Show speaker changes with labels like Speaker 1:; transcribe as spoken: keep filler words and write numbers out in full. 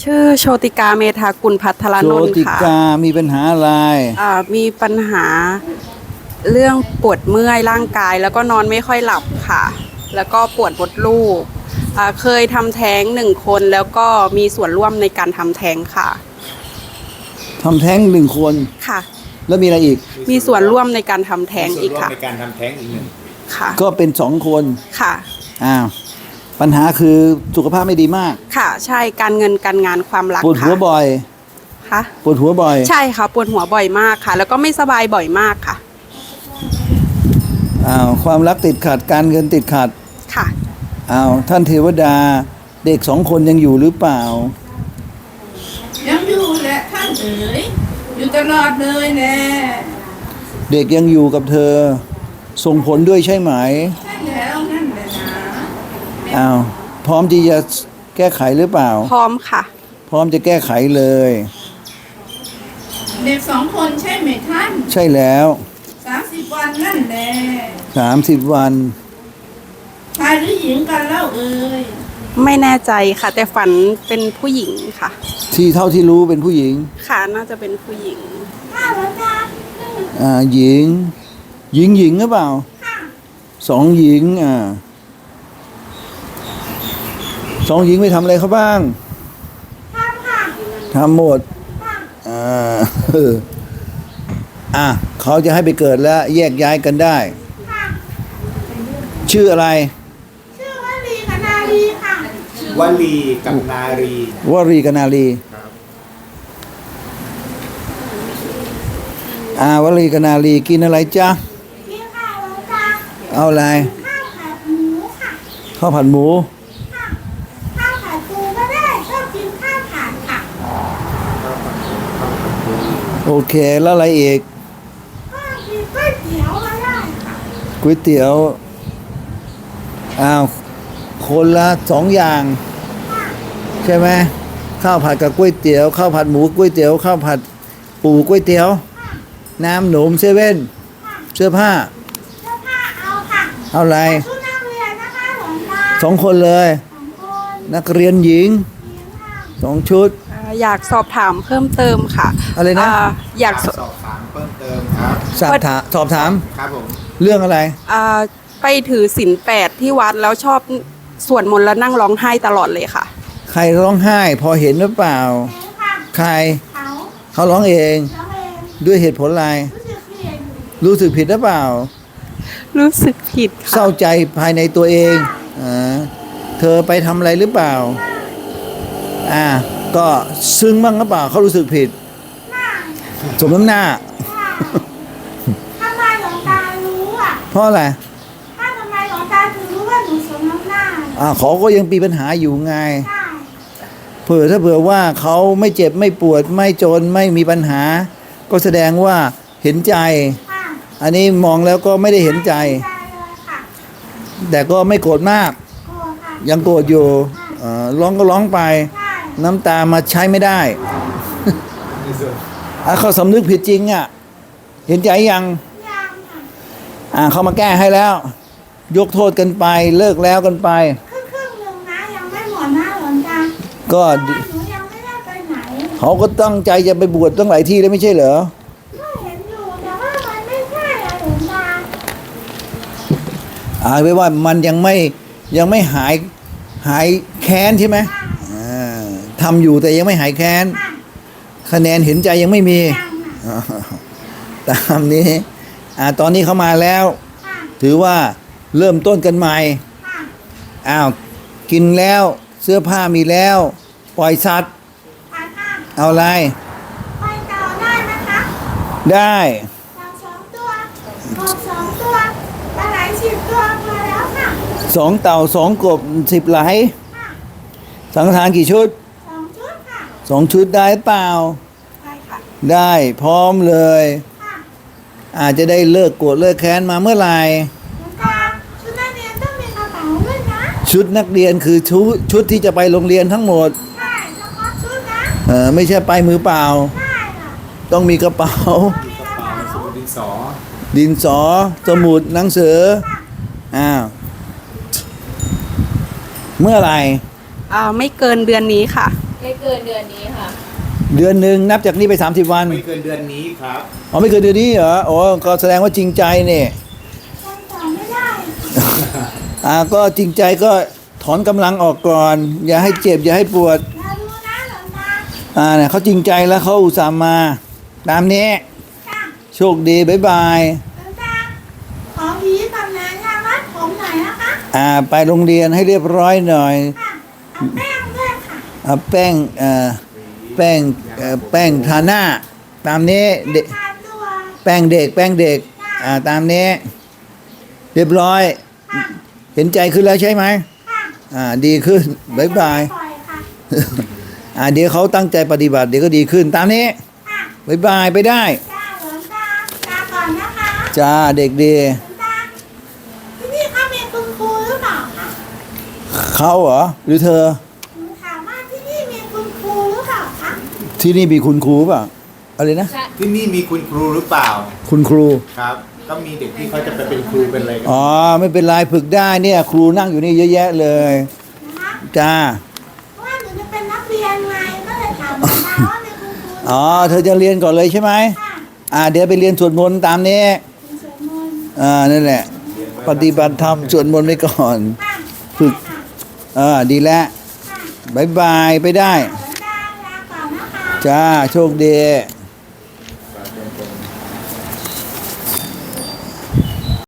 Speaker 1: ชื่อโชติกาเมธากุลพัทรนนท์ค่ะ
Speaker 2: โชติกามีปัญหาอะไร
Speaker 1: อ่ามีปัญหาเรื่องปวดเมื่อยร่างกายแล้วก็นอนไม่ค่อยหลับค่ะ แล้วก็ปวดมดลูกอ่าเคยทำแท้งหนึ่งคนแล้วก็มีส่วนร่วมในการทำแท้งค่ะ
Speaker 2: ทำแท้งหนึ่งคน
Speaker 1: ค่ะ
Speaker 2: แล้วมีอะไรอีก
Speaker 1: มีส่วนร่วมในการทำแท้งอีกค่ะ
Speaker 3: ในการทำแท้งอีกหนึ่ง
Speaker 1: ค่ะ
Speaker 2: ก็เป็นสองคน
Speaker 1: ค่ะ
Speaker 2: อ้าวปัญหาคือสุขภาพไม่ดีมาก
Speaker 1: ค่ะใช่การเงินการงานความรัก
Speaker 2: ปวดหัวบ่อย
Speaker 1: ค่ะ
Speaker 2: ปวดหัวบ่อย
Speaker 1: ใช่ค่ะปวดหัวบ่อยมากค่ะ แล้วก็ไม่สบายบ่อยมากค่ะ
Speaker 2: อ้าวความรักติดขัดการเงินติดขัด
Speaker 1: ค่ะ
Speaker 2: อ้าวท่านเทวดาเด็กสองคนยังอยู่หรือเปล่า
Speaker 4: ยังอยู่แหละท่านเอ๋ยอยู่ตลอดเลยแน่
Speaker 2: เด็กยังอยู่กับเธอส่งผลด้วยใช่ไหม
Speaker 4: ใช่แล้วนั่นแหละนะ
Speaker 2: อ้าวพร้อมที่จะแก้ไขหรือเปล่า
Speaker 1: พร้อมค่ะ
Speaker 2: พร้อมจะแก้ไขเลย
Speaker 4: เด็กสองคนใช่ไหมท่าน
Speaker 2: ใช่แล้ว
Speaker 4: สามสิบวันนั่นแหละ
Speaker 2: สามสิบวัน
Speaker 4: ชายหรือหญิงกันเล่าเอ๋ย
Speaker 1: ไม่แน่ใจค่ะแต่ฝันเป็นผู้หญิงค่ะ
Speaker 2: ที่เท่าที่รู้เป็นผู้หญิง
Speaker 1: ค่ะน่าจะเป็นผู้หญิง
Speaker 4: ค่ะแล้วจ้า
Speaker 2: อ่าหญิงหญิงหญิงหรือเปล่า
Speaker 4: ค่ะ
Speaker 2: สองหญิงอ่าสองหญิงไปทำอะไรเขาบ้าง
Speaker 4: ทำค่ะ
Speaker 2: ทำหมด
Speaker 4: ค่ะ
Speaker 2: อ่าอ่ะเขาจะให้ไปเกิดแล้วแยกย้ายกันได้
Speaker 4: ค่ะ
Speaker 2: ชื่ออะไร
Speaker 4: ชื่อวลีกับนาลีค่ะ
Speaker 3: วลีกับนารี
Speaker 2: วรีกับนาลีอ่าวลีกับนาลีกินอะไรจ๊ะ
Speaker 4: กินข้าวแล้วจ้า
Speaker 2: เอาอะไร
Speaker 4: ข้าวผัดหมูค่ะ
Speaker 2: ข้าวผัดหมู
Speaker 4: ค่ะข้าวผัดปูก็ได้ชอบกินข้าวผัดค่ะ
Speaker 2: โอเคแล้วอะไรอีก
Speaker 4: ก็กินก๋วยเตี๋ยวก็ได้ค่ะ
Speaker 2: ก๋วยเตี๋ยวอ้าวคนละสองอย่างใช่ไหมข้าวผัดกับก๋วยเตี๋ยวข้าวผัดหมูก๋วยเตี๋ยวข้าวผัดปูก๋วยเตี๋ยวน้ำหนมเซเว่นเสื้อผ้า
Speaker 4: เสื้อผ้าเอาค่ะ
Speaker 2: เอาอะไร
Speaker 4: ชุดนักเรียนนะคะหลวงตา
Speaker 2: สองคนเลย
Speaker 4: สองคน
Speaker 2: นักเรียนหญิงสองชุด
Speaker 1: อ่าอยากสอบถามเพิ่มเติมค่ะ
Speaker 2: อะไรนะ
Speaker 1: าอยากส
Speaker 3: สอบถามเพิ่มเติมครับ
Speaker 2: สอบถามสอบถาม
Speaker 3: ครับผม
Speaker 2: เรื่องอะไร
Speaker 1: อ่าไปถือศีลแปดที่วัดแล้วชอบสวดมนต์แล้วนั่งร้องไห้ตลอดเลยค่ะ
Speaker 2: ใครร้องไห้พอเห็นหรือเปล่าใคร
Speaker 4: เขา
Speaker 2: เขาร้องเอง
Speaker 4: เขาเอง
Speaker 2: ด้วยเหตุผลอะไร
Speaker 4: รู้สึกผิด
Speaker 2: รู้สึกผิดหรือเปล่า
Speaker 1: รู้สึกผิดค่ะ
Speaker 2: เศร้าใจภายในตัวเองอ่าเธอไปทำอะไรหรือเปล่าอ่าก็ซึ้งบ้างหรือเปล่าเขารู้สึกผิดสมน้ำหน้า
Speaker 4: ทำไมหลวงตารู้อ่ะ
Speaker 2: เพราะอะไร
Speaker 4: ถ้าทำไมหลวงตาถึงรู้ว่าหนูสมน้ำหน้า
Speaker 2: อ่าเขาก็ยังมีปัญหาอยู่ไง
Speaker 4: ใช่
Speaker 2: เผื่อถ้าเผื่อว่าเขาไม่เจ็บไม่ปวดไม่จนไม่มีปัญหาก็แสดงว่าเห็นใจ
Speaker 4: ค่ะ
Speaker 2: อันนี้มองแล้วก็ไม่ได้เห็นใจ
Speaker 4: ใจเลยค่ะ
Speaker 2: แต่ก็ไม่โกรธมาก
Speaker 4: กลัวค่ะ
Speaker 2: ยังโกรธอยู่เอ่อร้องก็ร้องไป
Speaker 4: ใช่
Speaker 2: น้ำตามาใช้ไม่ได้อ่ะเขาสำนึกผิดจริงอ่ะเห็นใจยัง
Speaker 4: ยังค่ะ
Speaker 2: อ่าเขามาแก้ให้แล้วยกโทษกันไปเลิกแล้วกันไป
Speaker 4: ครึ่งครึ่งหนึ่งนะยังไม่หมดนะหลวงตา
Speaker 2: ก็
Speaker 4: หนูยังไม่ได้ไปไหน
Speaker 2: เขาก็ตั้งใจจะไปบวชตั้งหลายที่แล้วไม่ใช่เหรอ
Speaker 4: ก็เห็นอยู่แต่ว่ามันไม่ใช่อะหลวงตา
Speaker 2: อ่าไว้ว่ามันยังไม่ยังไม่หายหายแค้นใช่ไหมอ่าทำอยู่แต่ยังไม่หายแค้นคะแนนเห็นใจยังไม่มีตามนี้อ่าตอนนี้เขามาแล้วถือว่าเริ่มต้นกันใหม่อ้าวกินแล้วเสื้อผ้ามีแล้วปล่อยสัตว์เอาอะไร
Speaker 4: ไปต่อได้นะคะ
Speaker 2: ได้
Speaker 4: เราสองตัวกบสองตัวปลาไหลสิบตัวพอแล้วค่ะ
Speaker 2: สองเต่าสองกบสิบไหลสังฆทานกี่ชุด
Speaker 4: สองชุดค่ะ
Speaker 2: สองชุดได้เปล่า
Speaker 1: ได้ค่ะ
Speaker 2: ได้พร้อมเลย
Speaker 4: ค่ะ
Speaker 2: อาจจะได้เลิกโกรธเลิกแค้นมาเมื่อไหร่
Speaker 4: ชุดนักเรียนต้องมีกระเป๋าด้วยนะ
Speaker 2: ชุดนักเรียนคือชุดชุดที่จะไปโรงเรียนทั้งหมด
Speaker 4: ใช่เฉพาะชุดนะ
Speaker 2: เออไม่ใช่ไปมือเปล่า
Speaker 4: ใช่ค่ะ
Speaker 2: ต้องมีกระเป๋า
Speaker 4: มีกระเป๋า
Speaker 3: สมุดดินสอ
Speaker 2: ดินสอสมุดหนังสืออ้าวเมื่อไหร่
Speaker 1: อ่าไม่เกินเดือนนี้ค่ะ
Speaker 5: ไม่เกินเดือนนี้ค่ะ
Speaker 2: เดือนหนึ่งนับจากนี้ไปสามสิบวัน
Speaker 3: ไม่เกินเดือนนี้ครับ
Speaker 2: อ๋อไม่เกินเดือนนี้เหรอโอ้ก็แสดงว่าจริงใจเนี่ย
Speaker 4: ยังตอบไม่ได้
Speaker 2: อ่าก็จริงใจก็ถอนกำลังออกก่อน อย่าให้เจ็บอย่าให้ปวด
Speaker 4: เราดูนะหลวงตา
Speaker 2: อ่าเนี่ยเขาจริงใจแล้วเขาอุตส่าห์มา ตามนี้
Speaker 4: จ้ะ
Speaker 2: โชคดีบ๊ายบาย
Speaker 4: หลวงตาขอผีกับนางงามวัดผมหน่อยนะคะ
Speaker 2: อ่าไปโรงเรียนให้เรียบร้อยหน่อย
Speaker 4: ค่ะเอาแป้งด้วยค่ะ
Speaker 2: เอาแป้งเอ่อแป้งเอ่อแป้งทาหน้า ตามนี้เด็ก
Speaker 4: ทานตัว
Speaker 2: แป้งเด็ก แป้งเด็กอ่าตามนี้ เรียบร้อย
Speaker 4: ค่ะ
Speaker 2: เห็นใจขึ้นแล้วใช่ไหม
Speaker 4: ค่ะ
Speaker 2: อ่าดีขึ้นบ๊ายบาย
Speaker 4: ปล่อยค่ะ
Speaker 2: อ่าเดี๋ยวเขาตั้งใจปฏิบัติเดี๋ยวก็ดีขึ้น ตามนี้
Speaker 4: ค่ะ
Speaker 2: บ๊ายบายไปได้
Speaker 4: จ้าหลวงตาลาก่อนนะคะ
Speaker 2: จ้าเด็กดี
Speaker 4: หลวงตาที่นี่เขามีคุณครูหรือเปล่าคะ
Speaker 2: เขาเหรอหรือเธอ
Speaker 4: หนูถามว่าที่นี่มีคุณครูหรือเปล่าคะ
Speaker 2: ที่นี่มีคุณครูเปล่ะอะไรนะ
Speaker 5: ใช่
Speaker 3: ที่นี่มีคุณครูหรือเปล่า
Speaker 2: คุณครู
Speaker 3: ครับ ก็มีเด็กที่เขาจะไปเป็นครูเป็นอะไรกัน
Speaker 2: อ๋อไม่เป็นไรฝึกได้เนี่ย ครูนั่งอยู่นี่เยอะแยะเลย
Speaker 4: นะคะ
Speaker 2: จ้า
Speaker 4: เพราะว่าหนูจะเป็นนักเรียนไงก็เลยถามหลวงตาว่ามีคุณครูหรือเป
Speaker 2: อ๋
Speaker 4: ล่า
Speaker 2: อเธอจะเรียนก่อนเลยใช่ไหม
Speaker 4: ค่ะ
Speaker 2: อ่าเดี๋ยวไปเรียนสวดมนต์ตามนี้
Speaker 4: เป็นสวดมนต์
Speaker 2: อ่านั่นแหละ ปฏิบัติธรรมสวดมนต์ไปก่อน
Speaker 4: ค่ะ
Speaker 2: ฝึก
Speaker 4: ค่ะ
Speaker 2: อ่าดีแล้ว
Speaker 4: ค่ะ
Speaker 2: บายบายไปได้
Speaker 4: หลวงตาลาก่อนนะคะ
Speaker 2: จ้าโชคดี
Speaker 4: ค